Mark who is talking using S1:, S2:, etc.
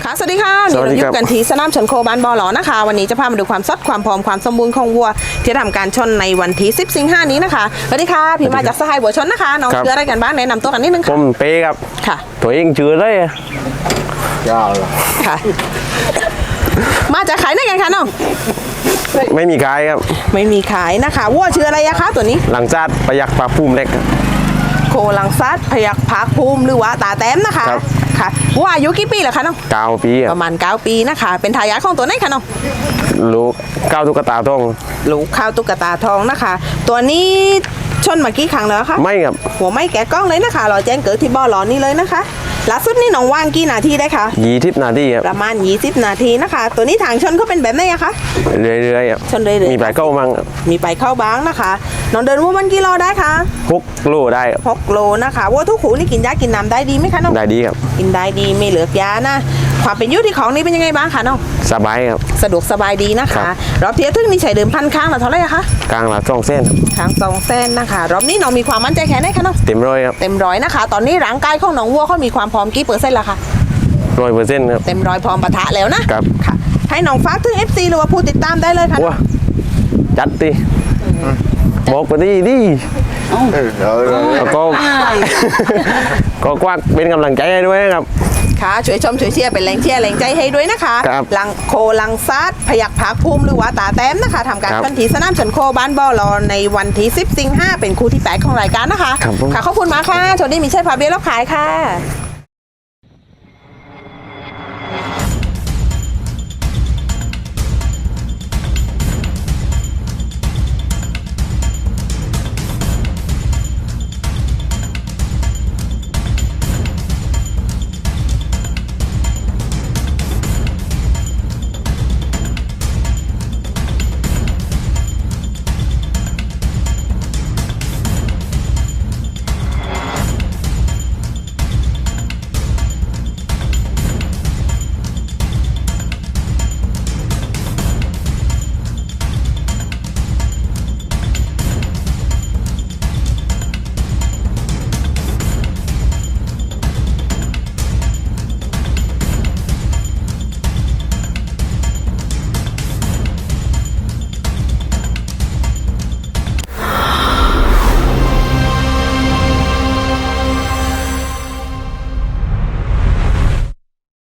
S1: ค่ะสวัสดีค่ะนี่เราอยู่กันที่สนามชนโคบ้านบอหลอนะคะวันนี้จะพามาดูความสดความพร้อมความสมบูรณ์ของวัวที่ทำการชนในวันที่10 สิงหานี้นะคะสวัสดีค่ะพี่มาจากสหายบัวชนนะคะน้องชื่ออะไรกันบ้างแนะนำตัวกันนิดนึง
S2: ผ
S1: ค่ะ
S2: มเป้ครับ
S1: ค่ะ
S2: ตัวเองชื่ออะไรอะ
S3: ยาวเลย
S1: ค่ะ มาจากขายไหนกันคะน้อง
S2: ไม่มีกายครับ
S1: ไม่มีขายนะคะวัวชื่ออะไรอะคะตัวนี้
S2: หลังจากประยักปลาพุ่มเล็กครับ
S1: โคลังซัดพยักพักภูมิหรือว่าตาแต้มนะคะ
S2: ครับ
S1: ค่ะวัวอายุกี่ปีเหรอคะน้อง
S2: 9 ปีค
S1: ป
S2: รับ
S1: ระมาณ9 ปีนะคะเป็นทายาทของตัวไหนคะน้อง
S2: ลูกก้าวตุ๊กตาทอง
S1: ลูกข้าวตุ๊กตาทองนะคะ ตัวนี้ชนมากี่ครั้งแล้วคะ
S2: ไม่ครับ
S1: หัวไม่แกะกล้องเลยนะคะรอแจ้งเกิดที่บ่อหลอนนี่เลยนะคะล่าสุดนี่น้องว่างกี่นาทีได้คะ
S2: 20 นาทีครับ
S1: ประมาณ20 นาทีนะคะ ตัวนี้ทางชนเขาเป็นแบบไหนอะคะ
S2: เรื่อยๆครับ
S1: ชนเรื่อยๆ
S2: มีปลายเข้ามั่งครับ
S1: มีไปเข้าบ้างนะคะน้องเดินวัวมันกี่โลได้คะ
S2: 6 โลได้ครับ
S1: 6 โลนะคะวัวทุกขูนี่กินยากินน้ำได้ดีไหมคะน้อง
S2: ได้ดีครับ
S1: กินได้ดีไม่เหลือกยานะความเป็นอยุที่ของนี่เป็นยังไงบ้างคะน้อง
S2: สบายครับ
S1: สะดวกสบายดีนะ
S2: ครั
S1: คะ
S2: บ
S1: รอบเทียร์ทึ่งนี่ใช้เดิมพันครั้งละเท่าไหร่อะคะ
S2: กลางละ2 เส้นครับ
S1: ครั้ง2 เส้นนะคะรอบนี้น้องมีความมั่นใจแค่ไหนคะน้อง
S2: เต็มร้อยครับ
S1: เต็มร้อยนะคะ ตอนนี้ร่างกายของน้องวัวเขามีความพร้อมกี่เปอร์เซ็นต์ละคะ
S2: 100%ครับ
S1: เต็มร้อยพร้อมปะทะแล้วนะครับ ค่ะให้น้องฝากถึง FC หรือว่าผู้ติดตามได้เลยค่ะ
S2: ว้าจัดดิบอกไปดิดิ
S3: เดี๋ยว
S2: แล้วก็ ก็กว้างเป็นกำลังใจให้ด้วยนะครับ
S1: ค่ะช่วยชมช่วยเชียร์เป็นแรงเชียร์แรงใจให้ด้วยนะคะ
S2: ครับ
S1: ลังโคลังซัดพยักพักภูมิหรือว่าตาแต้มนะคะทำการ
S2: ครับ
S1: พันธีสนามชนโคบ้านบ่อรอในวันที่10 สิงหาเป็นคู่ที่ 8 ของรายการนะคะ
S2: ครับผม
S1: ค่ะขอบคุณมากค่ะโชคดีมีชัยพาเบี้ยรับขายค่ะ